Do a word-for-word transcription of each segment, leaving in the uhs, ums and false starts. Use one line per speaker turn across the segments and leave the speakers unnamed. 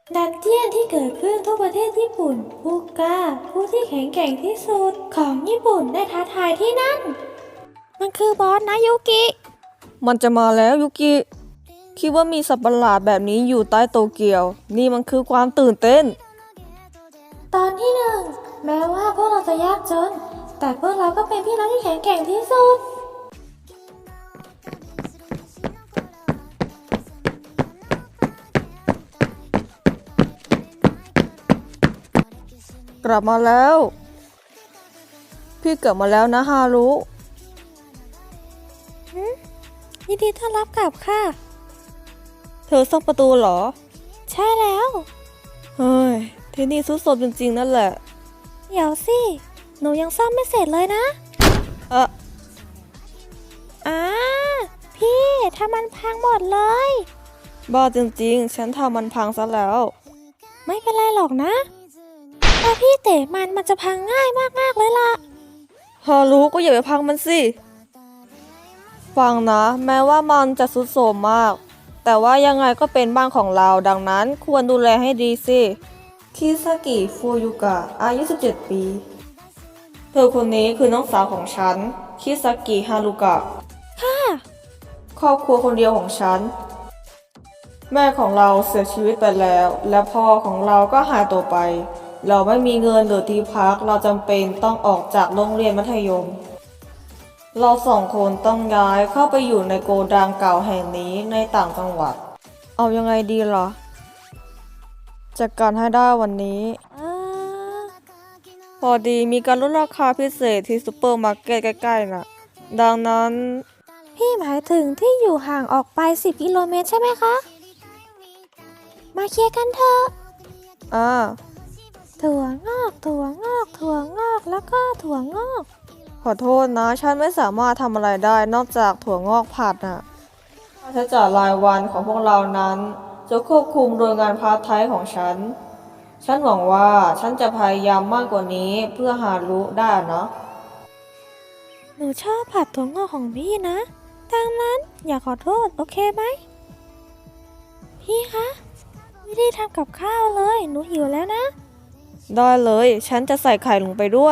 ดันเจี้ยนที่เกิดขึ้นทั่วประเทศญี่ปุ่นผู้กล้าผู้ที่แข็งแกร่งที่สุดของญี่ปุ่นได้ท้าทายที่นั่นมันคือบอสนะยุกิ
มันจะมาแล้วยุกิ คิดว่ามีสัตว์ประหลาดแบบนี้อยู่ใต้โตเกียว นี่มันคือความตื่นเต้น
ตอนที่หนึ่งแม้ว่าพวกเราจะยากจน แต่พวกเราก็เป็นพี่น้องที่แข็งแกร่งที่สุด
กลับมาแล้ว พี่กลับมาแล้วนะฮารุ
ยินดีต้อนรับกลับค่ะ
เธอซ่อมประตูเหรอ
ใช่แล้ว
เฮ้ย ที่นี่สุดโทรมจริงๆนั่นแหละ
เดี๋ยวสิ หนูยังซ่อมไม่เสร็จเลยนะ
เอะ
อ่าพี่ถ้ามันพังหมดเลย
บ้าจริงๆ ฉันทำมันพังซะแล้ว
ไม่เป็นไรหรอกนะถ้าพี่เตะมันมันจะพังง่ายมากๆเลยล่ะ
ฮารุก็อย่าไปพังมันสิ ฟังนะ แม้ว่ามันจะสุดโทรมมาก แต่ว่ายังไงก็เป็นบ้านของเรา ดังนั้นควรดูแลให้ดีสิ คิซากิฟูยุกะ อายุ สิบเจ็ด ปี เธอคนนี้คือน้องสาวของฉัน คิซากิฮารุกะ
ค่ะ
ครอบครัวคนเดียวของฉัน แม่ของเราเสียชีวิตไปแล้ว และพ่อของเราก็หายตัวไป เราไม่มีเงินหรือที่พัก เราจำเป็นต้องออกจากโรงเรียนมัธยม เราสองคนต้องย้ายเข้าไปอยู่ในโกดังเก่าแห่งนี้ในต่างจังหวัด เอายังไงดีล่ะจัดการให้ได้วันนี้
เออ
พอดีมีการลดราคาพิเศษที่ซูเปอร์มาร์เก็ตใกล้ๆน่ะ ดังนั้น
พี่หมายถึงที่อยู่ห่างออกไปสิบกิโลเมตรใช่ไหมคะ มาเคลียร์กันเถอะ
อ่า
ถั่วงอก ถั่วงอก ถั่วงอก แล้วก็ถั่วงอก
ขอโทษนะ ฉันไม่สามารถทำอะไรได้นอกจากถั่วงอกผัดน่ะค่าใช้จ่ายรายวันของพวกเรานั้นจะควบคุมโดยงานพาร์ทไทม์ของฉัน ฉันหวังว่าฉันจะพยายามมากกว่านี้เพื่อหารู้ได้นะ
หนูชอบผัดถั่วงอกของพี่นะดังนั้นอย่าขอโทษ โอเคไหม พี่คะไม่ได้ทำกับข้าวเลย หนูหิวแล้วนะ
ได้เลย ฉันจะใส่ไข่ลงไปด้วย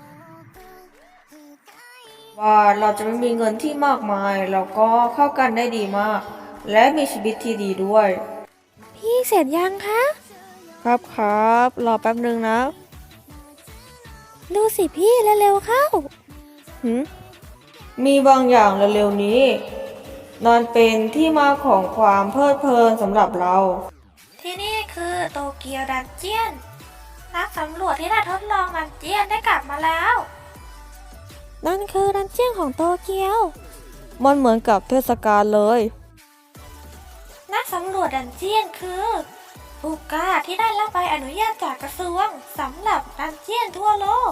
ว่าเราจะไม่มีเงินที่มากมาย แล้วก็เข้ากันได้ดีมาก และมีชีวิตที่ดีด้วย
พี่เสร็จยังคะ
ครับครับรอแป๊บนึงนะ
ดูสิพี่เร็วๆเข้า
หืมมีบางอย่างเร็วๆนี้นั่นเป็นที่มาของความเพลิดเพลินสำหรับเรา
ที่นี่คือโตเกียวดันเจียน นักสำรวจที่ได้ทดลองดันเจียนได้กลับมาแล้ว นั่นคือดันเจียนของโตเกียว
มันเหมือนกับเทศกาลเลย
นักสำรวจดันเจียนคือผู้กล้าที่ได้รับใบอนุญาตจากกระทรวงสำหรับดันเจียนทั่วโลก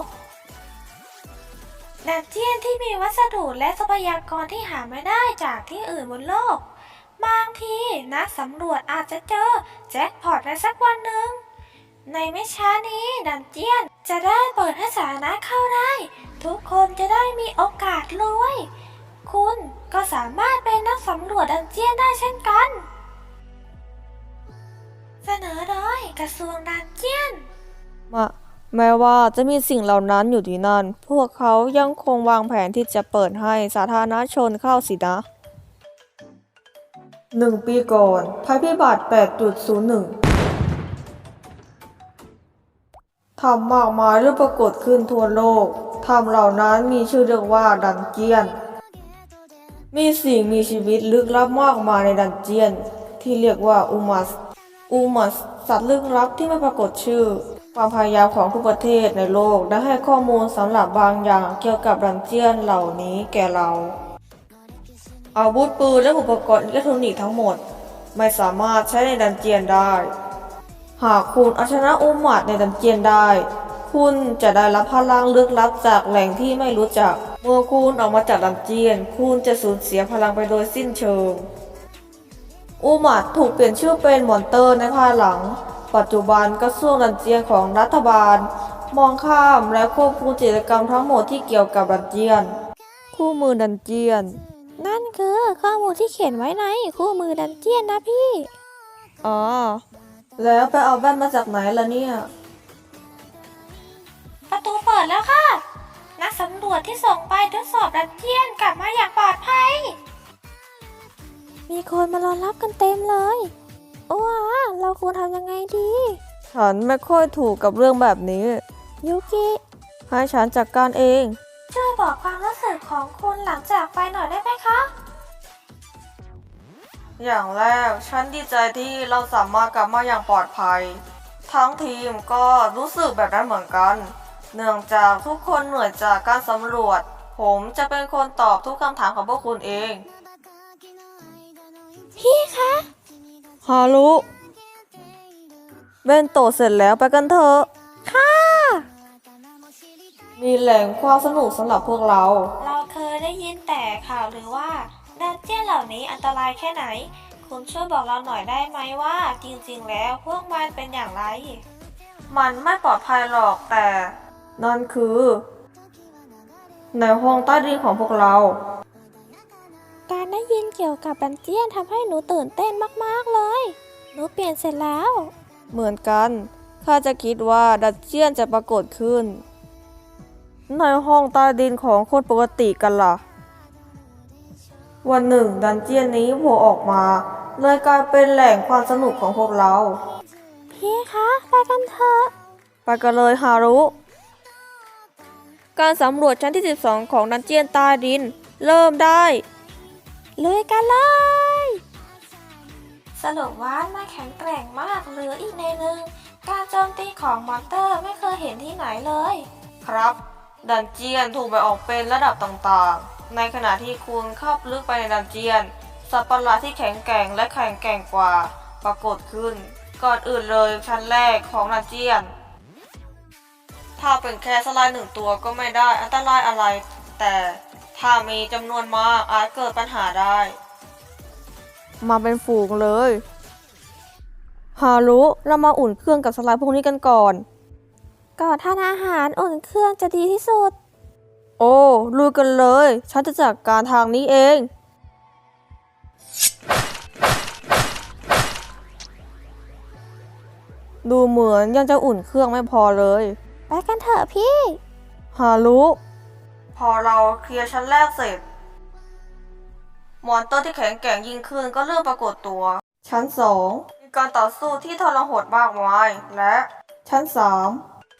ดันเจียนที่มีวัสดุและทรัพยากรที่หาไม่ได้จากที่อื่นบนโลก บางทีนักสำรวจอาจจะเจอแจ็คพอตในสักวันหนึ่ง ในไม่ช้านี้ดันเจียนจะได้เปิดให้สาธารณะเข้าได้ ทุกคนจะได้มีโอกาสรวย คุณก็สามารถเป็นนักสำรวจดันเจียนได้เช่นกัน เสนอโดยกระทรวงดันเจียน
มาแม้ว่าจะมีสิ่งเหล่านั้นอยู่ที่นั่น พวกเขายังคงวางแผนที่จะเปิดให้สาธารณชนเข้าสินะ หนึ่งปีก่อนภัยพิบัติ แปดจุดศูนย์หนึ่ง ทำมากมายเริ่มปรากฏขึ้นทั่วโลก ทำเหล่านั้นมีชื่อเรียกว่าดันเจียน มีสิ่งมีชีวิตลึกลับมากมายในดันเจียน ที่เรียกว่าอูมัส อูมัส สัตว์ลึกลับที่ไม่ปรากฏชื่อ ความพยายามของทุกประเทศในโลกได้ให้ข้อมูลสำหรับบางอย่างเกี่ยวกับดันเจียนเหล่านี้แก่เรา อาวุธปืนและอุปกรณ์อิเล็กทรอนิกส์ทั้งหมด ไม่สามารถใช้ในดันเจียนได้ หากคุณเอาชนะอูมัดในดันเจียนได้ คุณจะได้รับพลังลึกลับจากแหล่งที่ไม่รู้จัก เมื่อคุณออกมาจากดันเจียน คุณจะสูญเสียพลังไปโดยสิ้นเชิง อูมัดถูกเปลี่ยนชื่อเป็นมอนเตอร์ในภายหลัง ปัจจุบันกระทรวงดันเจียนของรัฐบาล มองข้ามและควบคุมกิจกรรมทั้งหมดที่เกี่ยวกับดันเจียน คู่มือดันเจียน
นั่นคือข้อมูลที่เขียนไว้ในคู่มือดันเจียนนะพี่
อ๋อแล้วไปเอาแว่นมาจากไหนล่ะเนี่ย
ประตูเปิดแล้วค่ะ นักสำรวจที่ส่งไปทดสอบดันเจียนกลับมาอย่างปลอดภัย มีคนมารอรับกันเต็มเลยว้าเราควรทำยังไงดี
ฉันไม่ค่อยถูกกับเรื่องแบบนี้
ยูกิ
ให้ฉันจัดการเอง
ช่วยบอกความรู้สึกของคุณหลังจากไปหน่อยได้ไหมคะ
อย่างแรกฉันดีใจที่เราสามารถกลับมาอย่างปลอดภัย ทั้งทีมก็รู้สึกแบบนั้นเหมือนกัน เนื่องจากทุกคนเหนื่อยจากการสำรวจ ผมจะเป็นคนตอบทุกคำถามของพวกคุณเอง
พี่คะ
ฮารุเบนโตะเสร็จแล้วไปกันเถอะ
ค่ะ
มีแหล่งความสนุกสำหรับพวกเรา
เราเคยได้ยินแต่ข่าวหรือว่าดันเจียนเหล่านี้อันตรายแค่ไหน คุณช่วยบอกเราหน่อยได้ไหมว่า จริงๆแล้วพวกมันเป็นอย่างไร
มันไม่ปลอดภัยหรอกแต่ นั่นคือ ในห้องใต้ดินของพวกเรา
การได้ยินเกี่ยวกับดันเจียนทำให้หนูตื่นเต้นมากๆเลย หนูเปลี่ยนเสร็จแล้ว
เหมือนกันข้าจะคิดว่าดันเจียนจะปรากฏขึ้น ในห้องใต้ดินของคนปกติกันล่ะ วันหนึ่งดันเจียนนี้โผล่ออกมา เลยกลายเป็นแหล่งความสนุกของพวกเรา
พี่คะไปกันเถอะ
ไปกันเลยฮารุ การสำรวจชั้นที่สิบสองของดันเจียนใต้ดิน เริ่มได้
ลุยกันเลย สรุปว่ามันแข็งแกร่งมากหรืออีกในหนึ่งการโจมตีของมอนเตอร์ไม่เคยเห็นที่ไหนเลย
ครับ ดันเจียนถูกแบ่งออกเป็นระดับต่างๆ ในขณะที่คุณเข้าลึกไปในดันเจียน สัตว์ประหลาดที่แข็งแกร่งและแข็งแกร่งกว่า ปรากฏขึ้น ก่อนอื่นเลยชั้นแรกของดันเจียน ถ้าเป็นแค่สไลด์หนึ่งตัวก็ไม่ได้อันตรายอะไร แต่ถ้ามีจำนวนมากอาจเกิดปัญหาได้ มาเป็นฝูงเลย ฮารุเรามาอุ่นเครื่องกับสไลด์พวกนี้กันก่อน
ก่อนทานอาหารอุ่นเครื่องจะดีที่สุด
โอ้ลุยกันเลย ฉันจะจัดการทางนี้เอง ดูเหมือนยังจะอุ่นเครื่องไม่พอเลย
ไปกันเถอะพี่
ฮารุ พอเราเคลียร์ชั้นแรกเสร็จ มอนเตอร์ที่แข็งแกร่งยิ่งขึ้นก็เริ่มปรากฏตัว ชั้นสองมีการต่อสู้ที่ทรหดมากมาย และชั้นสาม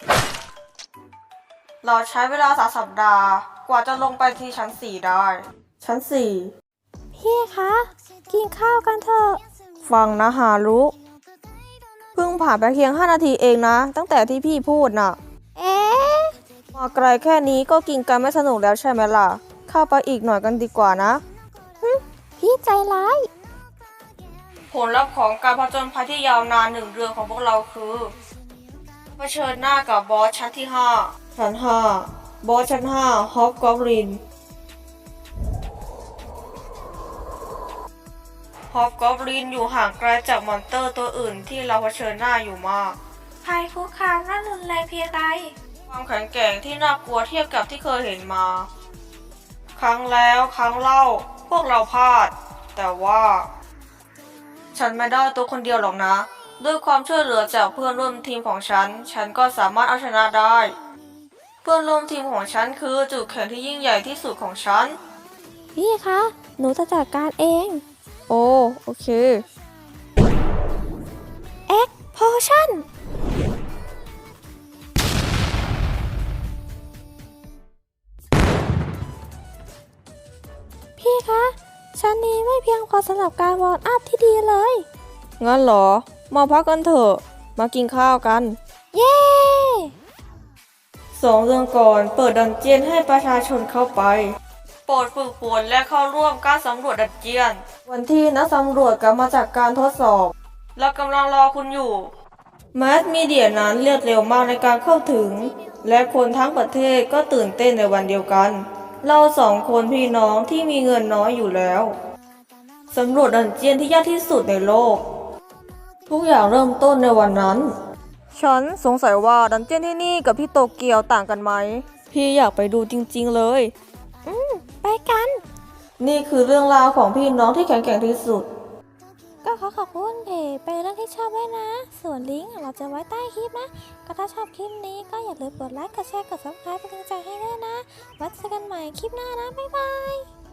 เราใช้เวลาสามสัปดาห์ กว่าจะลงไปที่ชั้นสี่ได้ ชั้นสี่
พี่คะ กินข้าวกันเถอะ
ฟังนะฮารุ เพิ่งผ่านไปเพียงห้านาทีเองนะ ตั้งแต่ที่พี่พูดน่ะ
เอ๊ะ
มาไกลแค่นี้ก็กินกันไม่สนุกแล้วใช่ไหมล่ะ เข้าไปอีกหน่อยกันดีกว่านะ
พี่ใจร้าย
ผลลัพธ์ของการผจญภัยที่ยาวนานหนึ่งเดือนของพวกเราคือเผชิญหน้ากับบอสชั้นที่ห้าชั้นห้าบอสชั้นห้าฮอปกอบลินฮอปกอบลินอยู่ห่างไกลจากมอนเตอร์ตัวอื่นที่เราเผชิญหน้าอยู่มาก
ภัยคุกคามน่ารุนแรงเพียงใด
ความแข็งแกร่งที่น่ากลัวเทียบกับที่เคยเห็นมา ครั้งแล้วครั้งเล่าพวกเราพลาด แต่ว่า ฉันไม่ได้ตัวคนเดียวหรอกนะ ด้วยความช่วยเหลือจากเพื่อนร่วมทีมของฉัน ฉันก็สามารถเอาชนะได้ เพื่อนร่วมทีมของฉันคือจุดแข็งที่ยิ่งใหญ่ที่สุดของฉัน
พี่คะ หนูจะจัดการเอง
โอ้โอเค
เอ็กโพชั่น พี่คะ ชั้นนี้ไม่เพียงพอสำหรับการวอร์มอัพที่ดีเลย
งั้นเหรอ มาพักกันเถอะ มากินข้าวกัน
เย้
สองเดือนก่อนเปิดดันเจียนให้ประชาชนเข้าไป โปรดฝึกฝนและเข้าร่วมการสำรวจดันเจียน วันที่นักสำรวจกลับมาจากการทดสอบ เรากำลังรอคุณอยู่แมสมีเดียนั้นเรียกเร็วมากในการเข้าถึง และคนทั้งประเทศก็ตื่นเต้นในวันเดียวกัน เราสองคนพี่น้องที่มีเงินน้อยอยู่แล้วสำรวจดันเจียนที่ยากที่สุดในโลก ทุกอย่างเริ่มต้นในวันนั้น ฉันสงสัยว่าดันเจียนที่นี่กับที่โตเกียวต่างกันไหม พี่อยากไปดูจริงๆเลย
ไปกัน
นี่คือเรื่องราวของพี่น้องที่แข็งแกร่งที่สุด
ก็ขอขอบคุณเพจเป็นเรื่องที่ชอบด้วยนะ ส่วนลิงก์เราจะไว้ใต้คลิปนะ ก็ถ้าชอบคลิปนี้ก็อย่าลืมกดไลค์ กดแชร์ กดซับสไครป์เป็นกำลังใจให้ด้วยนะ ไว้เจอกันใหม่คลิปหน้านะ บ๊ายบาย